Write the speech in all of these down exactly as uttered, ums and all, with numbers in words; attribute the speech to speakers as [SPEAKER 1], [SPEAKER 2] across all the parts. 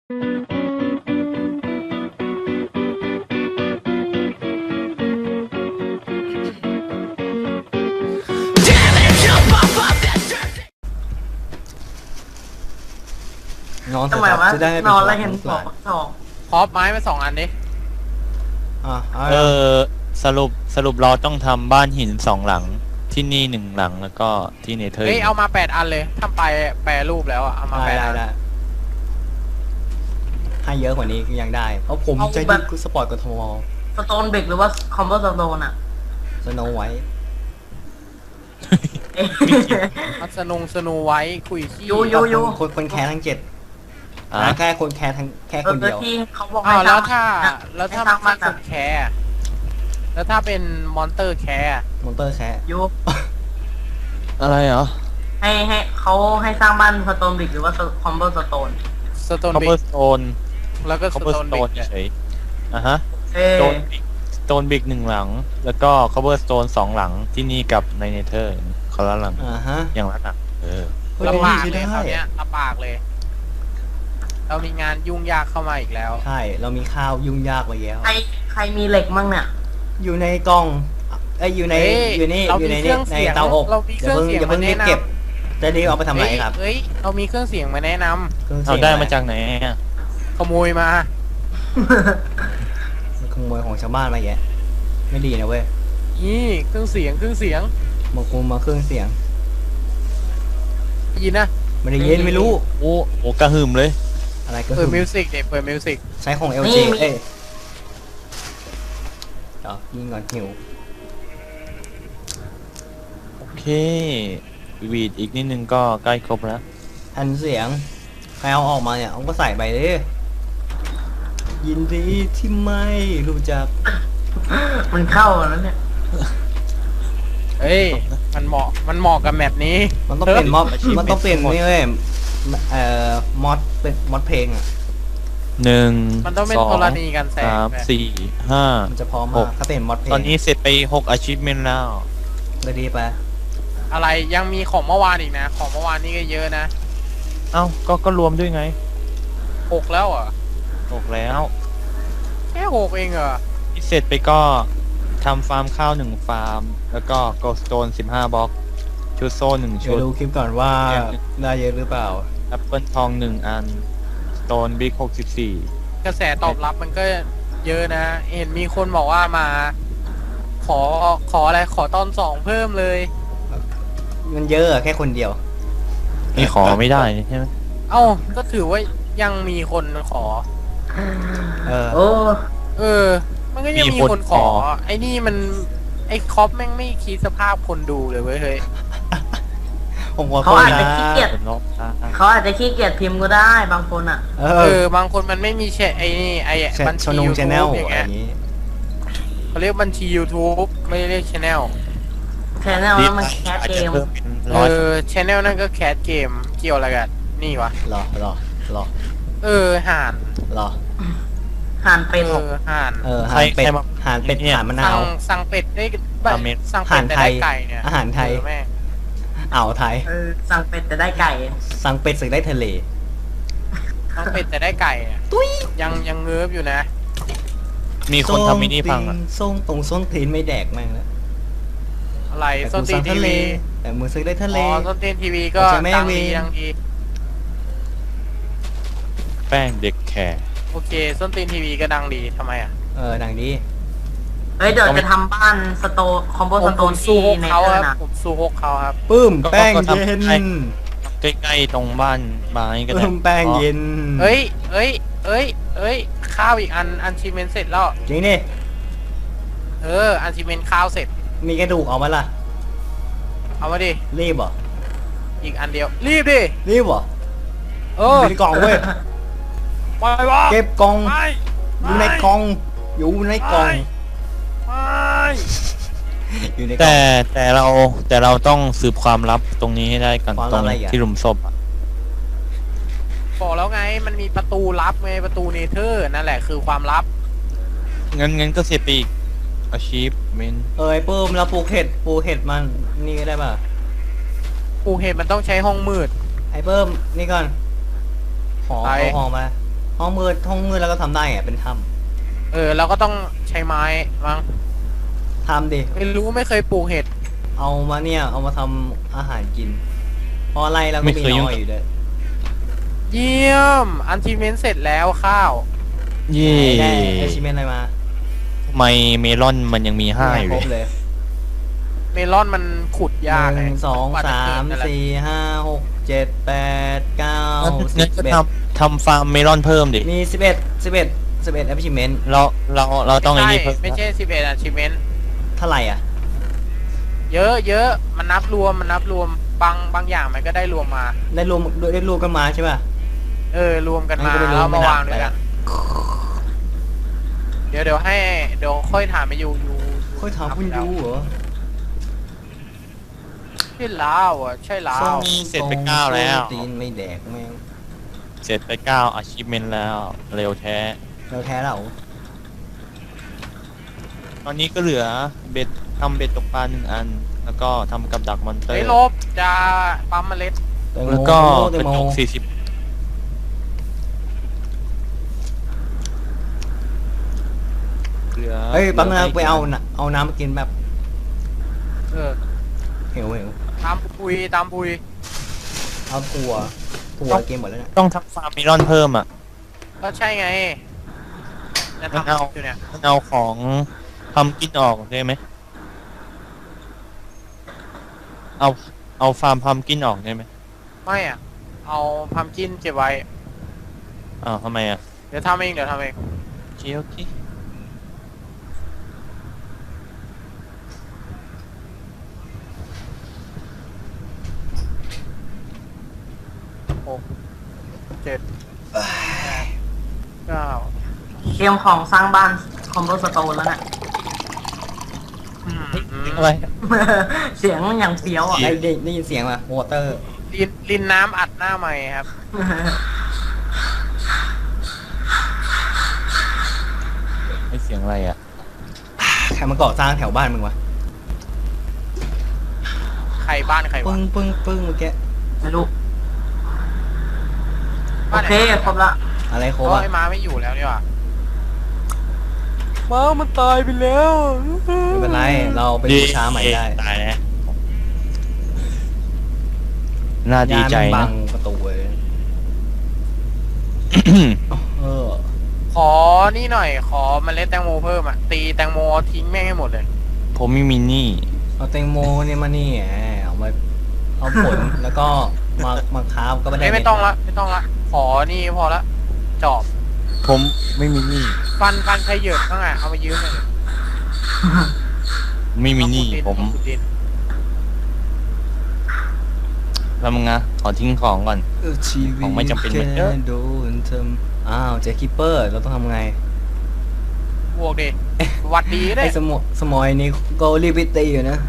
[SPEAKER 1] นอนเถ
[SPEAKER 2] ทำ
[SPEAKER 1] อะ
[SPEAKER 2] ไม
[SPEAKER 1] ครับ
[SPEAKER 2] วะ
[SPEAKER 1] จะได้ไม่เป็น
[SPEAKER 2] นอนแล้ว
[SPEAKER 1] ภาระ
[SPEAKER 2] เห็น
[SPEAKER 1] ของ
[SPEAKER 2] สอง
[SPEAKER 1] หลาน
[SPEAKER 2] สอง
[SPEAKER 3] พอปไม้มาสองอันดิ
[SPEAKER 1] อ่ะเอา
[SPEAKER 4] เออสรุปสรุปเราต้องทำบ้านหินสองหลังที่นี่หนึ่งหลังแล้วก็ที่เนเธอร์
[SPEAKER 3] เฮ้ยเอามาแปดอันเลยทำไปแปรรูปแล้วอะเอามา
[SPEAKER 1] ได้
[SPEAKER 3] แปด
[SPEAKER 1] ได้
[SPEAKER 3] อัน
[SPEAKER 1] ได้ให้เยอะกว่านี้ยังได้เพราะผมใจดีคือสปอร์ตกทม
[SPEAKER 2] สโตนเบกหรือว่าคอมโบสโตนอ่ะ
[SPEAKER 1] สโนไว้
[SPEAKER 2] เอ๊ะ
[SPEAKER 3] มัสนงสนูไว้คุยขี้
[SPEAKER 2] ยูยู ยู
[SPEAKER 1] คนคนแคร์ทั้งเจ็ด
[SPEAKER 4] อ่ะ
[SPEAKER 1] นะแค่คนแคร์ทั้งแค่
[SPEAKER 2] เอ
[SPEAKER 1] ค
[SPEAKER 2] อน
[SPEAKER 1] เดียว
[SPEAKER 2] ที่เขาบอก
[SPEAKER 3] อ้าว
[SPEAKER 2] ให้
[SPEAKER 3] แล้ว
[SPEAKER 2] สร้
[SPEAKER 3] ถ้าง
[SPEAKER 2] อะ
[SPEAKER 3] แล้วถ้า
[SPEAKER 2] ให้สร้าง
[SPEAKER 3] ไม่
[SPEAKER 2] บ้าน
[SPEAKER 3] ค
[SPEAKER 2] อะ
[SPEAKER 3] นแคร์แล้วถ้าเป็นมอนเตอร์แคร์
[SPEAKER 1] มอนเตอร์แคร์
[SPEAKER 2] ยู
[SPEAKER 4] อะไรเหรอ
[SPEAKER 2] ให้ให้เขาให้สร้างบ้านสโตนเบกหรือว่าคอมโบสโตน
[SPEAKER 3] สโตน
[SPEAKER 4] คอ
[SPEAKER 3] บิ
[SPEAKER 4] เบอก ร์สโตน
[SPEAKER 3] แล้วก็
[SPEAKER 4] ค
[SPEAKER 3] ส
[SPEAKER 4] อเบอ
[SPEAKER 3] โต
[SPEAKER 4] ร์
[SPEAKER 3] น
[SPEAKER 4] สโต
[SPEAKER 3] บิ
[SPEAKER 4] น
[SPEAKER 3] กเนี่ย
[SPEAKER 4] เฉยอ่ะฮะ
[SPEAKER 2] เอ้
[SPEAKER 4] สโตนบิกสโตนบิกหนึ่งหลัง แล้วก็คอเบอร์สโตนสองหลังที่นี่กับในเนเธอร์คนละหลัง
[SPEAKER 1] อ่าฮะ
[SPEAKER 4] อย่างละหลังเออ
[SPEAKER 1] เฮ้ย
[SPEAKER 3] ลำบาก
[SPEAKER 1] ใช้
[SPEAKER 3] เลย
[SPEAKER 1] ได้
[SPEAKER 3] คราวเนี้ยลำบากเลย เรามีงานยุ่งยากเข้ามาอีกแล้ว
[SPEAKER 1] ใช่เรามีข้าวยุ่งยากไปแล้ว
[SPEAKER 2] ใครใครมีเหล็กมั่งเนี่ย
[SPEAKER 1] อยู่ในกล่องไอยอยู่ใน
[SPEAKER 3] เฮ้ย
[SPEAKER 1] อยู่นี่
[SPEAKER 3] เรา
[SPEAKER 1] อยู่ใน
[SPEAKER 3] มีเค
[SPEAKER 1] นี่
[SPEAKER 3] รื่อง
[SPEAKER 1] ใน
[SPEAKER 3] เสียง
[SPEAKER 1] เตาอบ
[SPEAKER 3] เรามี
[SPEAKER 1] อย่าเพิ่ง
[SPEAKER 3] เครื่องเสียง
[SPEAKER 1] อย่าเพิ่ง
[SPEAKER 3] มา
[SPEAKER 1] รี
[SPEAKER 3] แนะ
[SPEAKER 1] บ
[SPEAKER 3] นำ
[SPEAKER 1] เก็บจะรีบเอาไปทำอะไรครับ
[SPEAKER 3] เฮ้ยเรามีเครื่องเสียงมาแนะนำ
[SPEAKER 1] เครื่อง
[SPEAKER 4] เอา
[SPEAKER 1] เสียง
[SPEAKER 4] ได้มาจากไหนอ่ะ
[SPEAKER 3] ขโมยมา
[SPEAKER 1] ขโมยของชาวบ้านมาแยะไม่ดีนะเว้ย
[SPEAKER 3] นี่เครื่องเสียงเครื่องเสียง
[SPEAKER 1] มากูมาเครื่องเสียง
[SPEAKER 3] ได้ยินนะ
[SPEAKER 1] ไม่ได้ยินไม่รู้
[SPEAKER 4] โอ้โหกระหึ่มเลย
[SPEAKER 1] อะไรก็
[SPEAKER 3] เปิด
[SPEAKER 1] คือ
[SPEAKER 3] มิวสิกเด็กเปิดมิวสิก
[SPEAKER 1] ใช้ของ แอล จี เอ้ยเดี๋ยวยิงก่อนหิว
[SPEAKER 4] โอเควีดอีกนิดนึงก็ใกล้ครบแล้ว
[SPEAKER 1] แผ่นเสียงใครเอาออกมาเนี่ยเอาก็ใส่ไปเลยยินดีที่ไม่รู้จัก
[SPEAKER 2] มันเข้าแล้วเนี่ย
[SPEAKER 3] เฮ้ยมันเหมาะมันเหมาะกับแมปนี้
[SPEAKER 1] มันต้องเป็นม็อบ
[SPEAKER 4] อาชีพ
[SPEAKER 1] มันต้องเป็น
[SPEAKER 4] หมด
[SPEAKER 1] นี่เว้ยเอ่อมอดเป็นมอดเพลงอ่ะ
[SPEAKER 4] หนึ่ง
[SPEAKER 3] มันต้องเป็น
[SPEAKER 4] สอง
[SPEAKER 3] ธรณีกันแสง
[SPEAKER 4] สาม
[SPEAKER 3] แบบ
[SPEAKER 4] สี่ห้า
[SPEAKER 1] มันจะพร้อม
[SPEAKER 4] ห
[SPEAKER 1] มาก กถ้าเป็นมอดเพลง
[SPEAKER 4] ตอนนี้เสร็จไปหกอาชีพเมนแล้ว
[SPEAKER 1] เลยดีไป
[SPEAKER 3] อะไรยังมีของเมื่อวานอีกนะ ของเมื่อวานนี่ก็เยอะนะ
[SPEAKER 4] เอ้าก็ก็รวมด้วยไง
[SPEAKER 3] หกแล้วเหรอ่ะ
[SPEAKER 4] หกแล้ว
[SPEAKER 3] แค่หกเองเหรอ
[SPEAKER 4] ที่เสร็จไปก็ทำฟาร์มข้าวหนึ่งฟาร์ม แล้วก็โกลสโตนสิบห้าบล็อกชุดโซ่หนึ่ง
[SPEAKER 1] เดี๋
[SPEAKER 4] ชุ
[SPEAKER 1] ยว
[SPEAKER 4] ด
[SPEAKER 1] ดูคลิปก่อนว่าได้เยอะหรือเปล่า
[SPEAKER 4] แอปเปิลทองหนึ่งอันสโตนบิ๊กหกสิบสี่
[SPEAKER 3] กระแสตอบรับมันก็เยอะนะ เห็นมีคนบอกว่ามา ขอขออะไรขอตอนสองเพิ่มเลย
[SPEAKER 1] มันเยอะอะแค่คนเดียว
[SPEAKER 4] นี่ขอไม่ได้ใช่ไหม
[SPEAKER 3] เอ้าก็ถือว่ายังมีคนขอ
[SPEAKER 1] เออ
[SPEAKER 2] โอ้
[SPEAKER 3] เออ มันก็ยังมีคนขอ ไอ้นี่มันไอ้คอปแม่งไม่คิดสภาพคนดูเลยเว้ยเฮ้ย
[SPEAKER 1] ผมขอโท
[SPEAKER 2] เขา
[SPEAKER 1] ษ
[SPEAKER 2] อาจจะ
[SPEAKER 1] นะ
[SPEAKER 2] ขี้เกียจ
[SPEAKER 4] เป็นรอบตา
[SPEAKER 2] เขาอาจจะขี้เกียจพิมพ์ก็ได้บางคนอ่ะ
[SPEAKER 1] เอ
[SPEAKER 3] เอ
[SPEAKER 1] อ
[SPEAKER 3] อบางคนมันไม่มีแชร์ไอ้นี่ไอ้บัญ
[SPEAKER 1] ช
[SPEAKER 3] ชี
[SPEAKER 1] นง
[SPEAKER 3] ยู
[SPEAKER 1] ช
[SPEAKER 3] ทู
[SPEAKER 1] แนล
[SPEAKER 3] บอย่าง
[SPEAKER 1] อะไร
[SPEAKER 3] เงี้
[SPEAKER 1] อย ย่างนี้
[SPEAKER 3] เขาเรียกบัญชี YouTube ไม่ได้เรียกชแนล
[SPEAKER 2] แชนแนลแล้วมันแคส
[SPEAKER 4] อาจ
[SPEAKER 2] เก
[SPEAKER 4] จะ
[SPEAKER 2] ม
[SPEAKER 4] เพิ่มเป็น
[SPEAKER 3] เอ
[SPEAKER 4] ร้อย
[SPEAKER 3] อชแนลนั่นก็แคสเกมเกี่ยวอะไรกันนี่วะ
[SPEAKER 1] รอรอรอ
[SPEAKER 3] เออห่าน
[SPEAKER 1] รอ
[SPEAKER 2] ห่านเป็น
[SPEAKER 3] เออห่าน
[SPEAKER 1] เออหานเป็ดหานเป็ดหานมะนา
[SPEAKER 3] สั่ง
[SPEAKER 1] ว
[SPEAKER 3] สั่งเป็ดได้
[SPEAKER 4] ราเมน
[SPEAKER 3] สั่งเป็ดแต่
[SPEAKER 1] อาหารไท
[SPEAKER 3] ได้
[SPEAKER 1] ย
[SPEAKER 3] ไก่เนี่ย
[SPEAKER 1] อาหารไทย
[SPEAKER 3] เออแม่ง
[SPEAKER 1] อ่าวไทย
[SPEAKER 2] เออสั่งเป็ดแต่ได้ไก่
[SPEAKER 1] สั่งเป็ดสึกได้ทะเล
[SPEAKER 3] สั่งเป็ดแต่ได้ไก่เนี่ยยังยังเงือบอยู่นะ
[SPEAKER 4] มีคนทำมินิพังอ่ะ
[SPEAKER 1] ส้มตรงส้นตีนไม่แดกแม่งแล้ว
[SPEAKER 3] อะไร
[SPEAKER 1] แต่
[SPEAKER 3] ส้น
[SPEAKER 1] กู
[SPEAKER 3] ตี
[SPEAKER 1] สั่
[SPEAKER 3] น
[SPEAKER 1] ง
[SPEAKER 3] ที
[SPEAKER 1] ทะเล
[SPEAKER 3] วี
[SPEAKER 1] แต่มือซื้อได้ทะเล
[SPEAKER 3] อ๋อส้นตีนทีวีก็
[SPEAKER 1] แต่จะไม่
[SPEAKER 3] ดัง
[SPEAKER 1] เว
[SPEAKER 3] ดี
[SPEAKER 1] ร
[SPEAKER 3] ดังดี
[SPEAKER 4] แป้งเด็กแคร์
[SPEAKER 3] โอเคส้นตีนทีวีก็ดังดีทำไมอ่ะ
[SPEAKER 1] เออดังดี
[SPEAKER 2] เฮ้ยเดี๋ยวจะทำบ้านสโตคอมโบ
[SPEAKER 3] ผ
[SPEAKER 2] ส
[SPEAKER 3] ม
[SPEAKER 2] โต
[SPEAKER 3] ผม
[SPEAKER 2] น
[SPEAKER 3] สู้
[SPEAKER 2] ที่
[SPEAKER 3] ฮก
[SPEAKER 2] ใน
[SPEAKER 3] เขา
[SPEAKER 2] เตอ
[SPEAKER 3] ครับ
[SPEAKER 2] ร์นะ
[SPEAKER 3] ผมสู้ฮกเขาครับ
[SPEAKER 1] ปื้มแป้งเย็น
[SPEAKER 4] ใกล้ๆตรงบ้านไม้ก็ได้
[SPEAKER 1] ปื้มแป้งเย็น
[SPEAKER 3] เอ้ยเอ้ยเอ้ยเอ้ยข้าวอีกอันอันชิเมนเสร็จแล้ว
[SPEAKER 1] จริงนี่
[SPEAKER 3] เอออันชิเมนข้าวเสร็จ
[SPEAKER 1] มีกระดูกออกมาล่ะ
[SPEAKER 3] เอามาดิ
[SPEAKER 1] รีบเหรอ
[SPEAKER 3] อีกอันเดียว รีบดิ
[SPEAKER 1] รีบเหรอ
[SPEAKER 3] เออ
[SPEAKER 1] อยู่ในกล่องเว้ย
[SPEAKER 3] ไปวะ
[SPEAKER 1] เก็บกล่อง
[SPEAKER 3] ไป
[SPEAKER 1] อยู่ในกล่อง อยู่ในกล่อง
[SPEAKER 3] ไป
[SPEAKER 1] อยู่ในกล่
[SPEAKER 4] แต่
[SPEAKER 1] อง
[SPEAKER 4] แต่เราแต่เราต้องสืบความลับตรงนี้ให้ได้ก่อน
[SPEAKER 1] ความ
[SPEAKER 4] ต
[SPEAKER 1] ลั
[SPEAKER 4] ร
[SPEAKER 1] บ
[SPEAKER 4] ง
[SPEAKER 1] อะไรอ่ะ
[SPEAKER 4] ที่หลุมศพอะ
[SPEAKER 3] บอกแล้วไงมันมีประตูลับไงประตูเนเธอร์นั่นแหละคือความลับ
[SPEAKER 4] งั้นงั้นก็เสียไปอีกอาชีพเมน
[SPEAKER 1] เอ้ยปื้มแล้วปลูกเห็ดปลูกเห็ดมันนี่ก็ได้ป่ะ
[SPEAKER 3] ปูเห็นมันต้องใช้ห้องมืด
[SPEAKER 1] ไอ้เพิ่มนี่ก่อนหอ
[SPEAKER 3] ไป
[SPEAKER 1] เอาหอมาห้องมืดห้องมืดแล้วก็ทำได้ไงเป็นถ้
[SPEAKER 3] เออเราก็ต้องใช้ไม้มั้ง
[SPEAKER 1] ำทำดิ
[SPEAKER 3] ไม่รู้ไม่เคยปลูกเห็ด
[SPEAKER 1] เอามาเนี่ยเอามาทำอาหารกินเพราะอะไรเราก็มีน้อยอยู่ด้วย
[SPEAKER 3] เยี่ยมอันทีเมนเสร็จแล้วข้าว
[SPEAKER 4] เย่
[SPEAKER 1] ได้ไอชิเมนอะไรมา
[SPEAKER 4] ทำไมเมลอนมันยังมีห้าอยู่
[SPEAKER 1] ครบ
[SPEAKER 4] เลย
[SPEAKER 1] เลย
[SPEAKER 3] เมลอนมันขุดยาก
[SPEAKER 1] หนึ่ง
[SPEAKER 3] ไ
[SPEAKER 1] สอง
[SPEAKER 3] กว่จะ
[SPEAKER 1] สา
[SPEAKER 3] เกิ
[SPEAKER 1] ม
[SPEAKER 3] ดนั่นแหละ
[SPEAKER 1] สี่ห้าหกเจ็ดแปดเก้าสิ
[SPEAKER 4] งั้
[SPEAKER 1] บ
[SPEAKER 4] นก็
[SPEAKER 1] เอ็ด
[SPEAKER 4] ทำทำฟาร์มเมลอนเพิ่มดิ
[SPEAKER 1] มีสิบเอ็ดสิบเอ็ดสิบเอ็ด achievement
[SPEAKER 4] เราเราเราต้องไอ้
[SPEAKER 3] ใช่
[SPEAKER 4] นี่เพิ่ม
[SPEAKER 3] ไม่ใช่สิบเอ็ดอันทีเมน
[SPEAKER 1] เท่าไหร่อ่ะ
[SPEAKER 3] เยอะเยอะมันนับรวมมันนับรวมบางบางอย่างมันก็ได้รวมมา
[SPEAKER 1] ได้รวมได้รวมกันมาใช่ป่ะ
[SPEAKER 3] เออรวมกันมา
[SPEAKER 1] งั้นก็ไม่รู้
[SPEAKER 3] แล้ว
[SPEAKER 1] ไม่
[SPEAKER 3] มา
[SPEAKER 1] นับ
[SPEAKER 3] วางด้วยกัน เดี๋ยวเดี๋ยวให้เดี๋ยวค่อยถามไปยูยู
[SPEAKER 1] ค่อยถามคุณยูเหรอ
[SPEAKER 3] ใช่ลาวอ่ะใช่ลาว
[SPEAKER 4] เสร็จไปเก้าแล้ว
[SPEAKER 1] ตีนไม่แดกแม่ง
[SPEAKER 4] เสร็จไปเก้า achievement แล้วเร็วแท้
[SPEAKER 1] เราแท้เรา
[SPEAKER 4] ตอนนี้ก็เหลือเบ็ดทำเบ็ดตกปลาหนึ่งอัน แล้วก็ทำกับดักมอนเตอ
[SPEAKER 3] เฮ้ย
[SPEAKER 4] ร์
[SPEAKER 3] ลบจะปั๊มเมล็ด
[SPEAKER 1] แตงโม
[SPEAKER 4] แล้วก็
[SPEAKER 1] แต
[SPEAKER 4] ก
[SPEAKER 1] ง
[SPEAKER 4] ระ
[SPEAKER 1] โม
[SPEAKER 4] จกสี่สิบเหลือ
[SPEAKER 1] เฮ้ยปั๊มนึง
[SPEAKER 4] หลื
[SPEAKER 1] ไปเอาน่ะเอาน้ำมากินแบบ
[SPEAKER 3] เออ
[SPEAKER 1] เหวเหว
[SPEAKER 3] ตามปุยตามปุย
[SPEAKER 1] เอาถั่วถั่วเกมหมดแล้วเนี่ย
[SPEAKER 4] ต้องทำฟาร์มเมลอนเพิ่มอ่ะ
[SPEAKER 3] ก็ใช่ไงจะ
[SPEAKER 4] มัน
[SPEAKER 3] ทำ
[SPEAKER 4] เอา
[SPEAKER 3] อยู่เนี่ย
[SPEAKER 4] มันเอาของทำกินออกได้ไหม เอาเอาฟาร์มพัมกินออกได้ไหม
[SPEAKER 3] ไม่อ่ะ เอาพัมกินเก็บไว้
[SPEAKER 4] อ้าวทำไมอ่ะ
[SPEAKER 3] เดี๋ยวทำเองเดี๋ยวทำเอง
[SPEAKER 4] โอเคโอเค
[SPEAKER 3] หกเจ็ดแปดเก้า
[SPEAKER 2] เตรียมของสร้างบ้านคอมโบสโตนแล้วน่ะ
[SPEAKER 3] อืมอืม
[SPEAKER 4] อะไร
[SPEAKER 2] เสียงอย่างเฟี้ยวอ่ะ
[SPEAKER 1] ได้ได้ได้ยินเสียงป่ะวอเตอร์
[SPEAKER 3] ลินลินน้ำอัดหน้าใหม่ครับ
[SPEAKER 4] ไม่เสียงอะไรอ่ะ
[SPEAKER 1] ใครมาก่อสร้างแถวบ้านมึงวะ
[SPEAKER 3] ใครบ้านใคร
[SPEAKER 1] ปึ้
[SPEAKER 3] วะ
[SPEAKER 1] งปึ้งปึ้งเมื่อกี้
[SPEAKER 2] ไม่รู้ โอ
[SPEAKER 3] บ้านไหน
[SPEAKER 2] เคครบละ
[SPEAKER 1] อะไรโค
[SPEAKER 3] เพราะ
[SPEAKER 1] บอ่ะ
[SPEAKER 3] ไอ้ม้าไม่อยู่แล้วนี่หว่าม้ามันตายไปแล้ว
[SPEAKER 1] ไม่เป็นไรเราไปบูชาใหม่ได้
[SPEAKER 4] ตายแล้วน่าดีใจ
[SPEAKER 1] ยามับั
[SPEAKER 4] นะ
[SPEAKER 1] งประตูเลยเออ
[SPEAKER 3] ขอนี่หน่อย ขอเมล็ดแตงโมเพิ่มอ่ะ ตีแตงโมทิ้งแม่งให้หมดเลย
[SPEAKER 4] ผมมีมินี่
[SPEAKER 1] เอาแตงโมเนี่ยมานี่แหมเอามาเอาผลแล้วก็มามาค้าบก็ไม่ได้
[SPEAKER 3] เอ้ยไม่ต้องละไม่ต้องละ ขอนี่พอละ จอบ
[SPEAKER 4] ผมไม่มีนี่
[SPEAKER 3] ฟันฟันใครเหยิบบ้างอ่ะ เอามายืมหน่อยดิ
[SPEAKER 4] ไม่มีนี่
[SPEAKER 3] เอาขุดดิ
[SPEAKER 4] ผม
[SPEAKER 3] เอาขุดดิน
[SPEAKER 4] แล้วมึงนะขอทิ้งของก่อน
[SPEAKER 1] เออชีวิต
[SPEAKER 4] ของไม่จำเป็นเหมือนเดิม
[SPEAKER 1] แค่โดนทำอ้าวเจอคิปเปอร์เราต้องทำไง
[SPEAKER 3] บวกดิหวัดดีได้
[SPEAKER 1] ไอ้สมอสมอยนี่ก็รีบไปตีอยู่นะ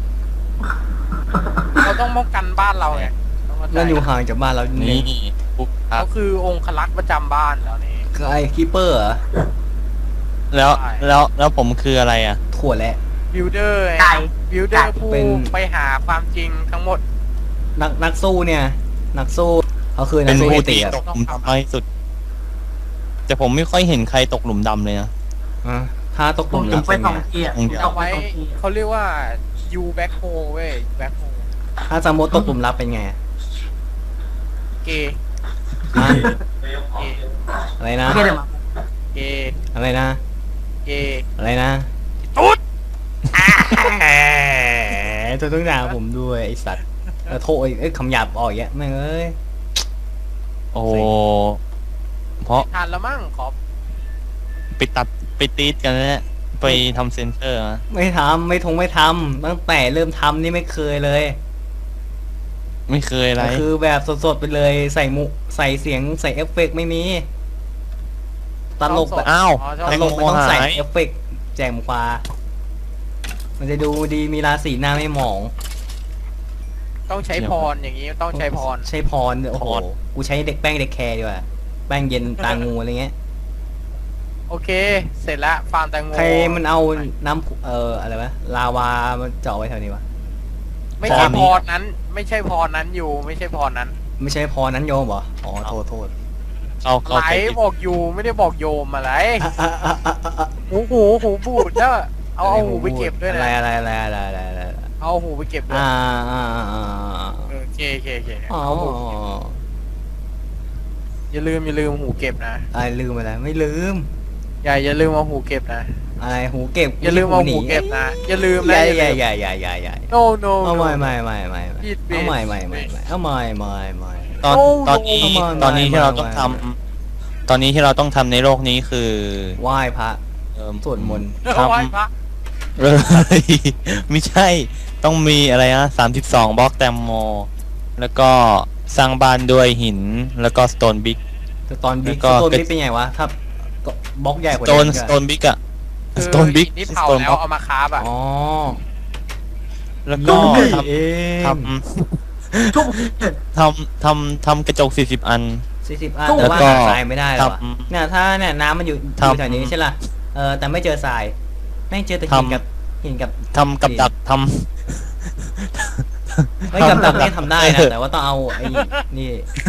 [SPEAKER 3] เราต้องป้องกันบ้านเราไงต้องเข้าใจ
[SPEAKER 1] นั่นอยู่ห่างจากบ้านเรา
[SPEAKER 4] นี่
[SPEAKER 1] นี่
[SPEAKER 4] ปุ๊บครั
[SPEAKER 3] เขา
[SPEAKER 4] บ
[SPEAKER 3] คือองคลักษ์ประจำบ้านแล้วนี่
[SPEAKER 1] คือไอ้คิปเปอร์เหรอ
[SPEAKER 4] แล้ว
[SPEAKER 3] ใช่
[SPEAKER 4] แล้วแล้วผมคืออะไรอ่ะ
[SPEAKER 1] ถั่วแหละ
[SPEAKER 3] บิลเดอร์
[SPEAKER 2] ไก่
[SPEAKER 3] บิลเดอร์ผู้
[SPEAKER 1] เป็น
[SPEAKER 3] ไปหาความจริงทั้งหมด
[SPEAKER 1] นักนักสู้เนี่ย นักสู้เขาคือนั
[SPEAKER 4] เป็
[SPEAKER 1] ก
[SPEAKER 4] น
[SPEAKER 1] สู้
[SPEAKER 4] ผู้
[SPEAKER 1] เอติ
[SPEAKER 4] ที่
[SPEAKER 1] อะ
[SPEAKER 4] ตกหลุมดำน้อยที่สุด แต่ผมไม่ค่อยเห็นใครตกหลุมดำเลยนะ
[SPEAKER 1] อ่ะถ้าตกห
[SPEAKER 2] ผ
[SPEAKER 1] ลุ
[SPEAKER 2] ม
[SPEAKER 1] ม
[SPEAKER 2] ถึ
[SPEAKER 1] รั
[SPEAKER 2] ง
[SPEAKER 1] บ
[SPEAKER 2] ไป
[SPEAKER 1] เป็น
[SPEAKER 2] สอง
[SPEAKER 1] ไง
[SPEAKER 2] ทีอ่ะ
[SPEAKER 4] อย่างเดียว
[SPEAKER 2] ต
[SPEAKER 3] เอา
[SPEAKER 2] กไป
[SPEAKER 3] ไว้
[SPEAKER 2] สองที
[SPEAKER 3] เขาเรียกว่า U back hole เว้ย back hole
[SPEAKER 1] ถ้าสมมติตกหลุมรักเป็นไง
[SPEAKER 3] เกย์
[SPEAKER 1] ฮะ
[SPEAKER 3] เกย์
[SPEAKER 1] อะไรนะ
[SPEAKER 2] โอเคเดี๋ยวมา
[SPEAKER 3] เกย์
[SPEAKER 1] อะไรนะ
[SPEAKER 3] เกย์
[SPEAKER 1] อะไรนะ
[SPEAKER 3] ตุ๊ด
[SPEAKER 1] แหมตัวต้องด่าผมด้วยไอสัตว์เออโทษเอ้ยคำหยาบออกอย่างเงี้ยแม่งเอ้ย
[SPEAKER 4] โอ้เพราะ
[SPEAKER 3] ทานแล้วมั้งขอ
[SPEAKER 4] ไปตัดไปตีดกันแล้วเนี่ยไปทำเซนเซอร์นะ
[SPEAKER 1] ไม่ทำไม่ทงไม่ทำตั้งแต่เริ่มทำนี่ไม่เคยเลย
[SPEAKER 4] ไม่เคยอะไร
[SPEAKER 1] ก็คือแบบสดๆไปเลยใส่มุใส่เสียงใส่เอฟเฟกต์ไม่มีตลกแบบ
[SPEAKER 4] อ้าว
[SPEAKER 3] อ๋อช
[SPEAKER 1] ต
[SPEAKER 3] อบ
[SPEAKER 1] ลกไม่ต้องใส่
[SPEAKER 4] หาย
[SPEAKER 1] เอฟเฟกต์แจมความันจะดูดีมีราศีหน้าไม่หมอง
[SPEAKER 3] ต้องใช้พรอย่างนี้ต้องใช้พร
[SPEAKER 1] ใช้พรโอ้โห
[SPEAKER 4] พร
[SPEAKER 1] กูใช้เด็กแป้งเด็กแคร์ดีกว่าแป้งเย็นตางูอะไรเงี้ย
[SPEAKER 3] โอเค เสร็จแล้วฟาร์มแตงโม
[SPEAKER 1] ใครมันเอาน้ำเอ่ออะไรวะลาวามันเจาะไว้แถวนี้วะ
[SPEAKER 3] ไม่ใช่
[SPEAKER 1] พรนี้
[SPEAKER 3] พรนั้น ไม่ใช่พรนั้นอยู่ ไม่ใช่พรนั้น
[SPEAKER 1] ไม่ใช่พรนั้นโยมเหรออ๋อโทษโทษ
[SPEAKER 4] เข้าเข้า
[SPEAKER 3] ไหล
[SPEAKER 4] ใจ
[SPEAKER 3] บอกอยู่ไม่ได้บอกโยมอะไร
[SPEAKER 1] อ่ะอ่ะอ่ะอ่ะอ่ะ
[SPEAKER 3] หูหูหูบูดแล้วเอาเอาหูไปเก็บด้วย
[SPEAKER 1] อะไร
[SPEAKER 3] นะ
[SPEAKER 1] อะไรอะไรอะไรอะไรอะไร
[SPEAKER 3] เอาหูไปเก็บด้วย
[SPEAKER 1] อ่าอ่าอ่าอ่า
[SPEAKER 3] เออโอเคโอเคโอเค
[SPEAKER 1] อ๋อ
[SPEAKER 3] เอาหูอย่าลืมอย่าลืมหูเก็บนะ
[SPEAKER 1] อะไรลืมไปแล้วไม่ลืม
[SPEAKER 3] อย่าอย่าลืมเอาหูเก็บนะ
[SPEAKER 1] อะไรหูเก็บ
[SPEAKER 3] อย่าลืมเอาหูเก็บนะ อย่าลืมนะ
[SPEAKER 1] อย่า
[SPEAKER 3] อย่า
[SPEAKER 1] อย่า
[SPEAKER 3] ลืม
[SPEAKER 1] อย่าอย่าอย่าอย่า
[SPEAKER 3] no no
[SPEAKER 1] เอาใหม่
[SPEAKER 3] no
[SPEAKER 1] ใหม่ใหม่ใหม่ใหม่
[SPEAKER 3] ผิด
[SPEAKER 1] เอาใหม่ใหม่
[SPEAKER 3] ผิด
[SPEAKER 1] ใหม่ใหม่เอาใหม่ใหม่ใหม่
[SPEAKER 4] ตอน
[SPEAKER 3] โอ้
[SPEAKER 4] ตอนนี้
[SPEAKER 1] โอ้
[SPEAKER 4] ตอนนี้ที่เราต้อง
[SPEAKER 1] ไม่
[SPEAKER 4] ทำตอนนี้ที่เราต้องทำในโลกนี้คือ
[SPEAKER 1] ไหว้พระ
[SPEAKER 4] เอิ่ม
[SPEAKER 1] สวดมนต์
[SPEAKER 4] ทำ
[SPEAKER 3] ไหว้พระ
[SPEAKER 4] เออ ไม่ใช่ต้องมีอะไรนะสามสิบสองบล็อกแตมโม แล้วก็สร้างบ้านด้วยหินแล้วก็สโตนบิ๊ก
[SPEAKER 1] แต่ตอนบิ๊ก
[SPEAKER 4] แล้วก็
[SPEAKER 1] สโตนบิ๊กเป็นไงวะถ้าบล็อกใหญ่ก
[SPEAKER 4] ส
[SPEAKER 1] ว่า
[SPEAKER 4] โตน
[SPEAKER 1] นี้
[SPEAKER 4] สโตนบิ๊กอะ
[SPEAKER 3] คือ
[SPEAKER 4] สโตนบิ๊ก
[SPEAKER 3] นี่
[SPEAKER 4] ส
[SPEAKER 3] เผา
[SPEAKER 4] โตน
[SPEAKER 3] แล้
[SPEAKER 4] บล็
[SPEAKER 3] ว
[SPEAKER 4] อก
[SPEAKER 3] เอามาคาบอ่ะ
[SPEAKER 1] อ๋อ
[SPEAKER 4] แล้วก็
[SPEAKER 1] นี่
[SPEAKER 4] ท
[SPEAKER 1] เอง
[SPEAKER 4] ำท
[SPEAKER 2] ทุก
[SPEAKER 4] ำทำทำทำกระจกสี่สิบอัน
[SPEAKER 1] สี่สิบอัน
[SPEAKER 2] ตู้
[SPEAKER 1] แต่ว่า
[SPEAKER 4] แล้วก็
[SPEAKER 1] หาทรายไม่ได้หรอวะ
[SPEAKER 4] ทำ
[SPEAKER 1] เนี่ยถ้าเนี่ยน้ำมันอยู่อ
[SPEAKER 4] ทำ
[SPEAKER 1] ยู่แถวนี้ใช่ล่ะเออแต่ไม่เจอทรายไม่เจอแต่หิน
[SPEAKER 4] ทำ
[SPEAKER 1] กับหินกับ
[SPEAKER 4] ทำกับดักท
[SPEAKER 1] ไม่กับดักนี่ทำได้นะแต่ว่าต้องเอาไอ้นี่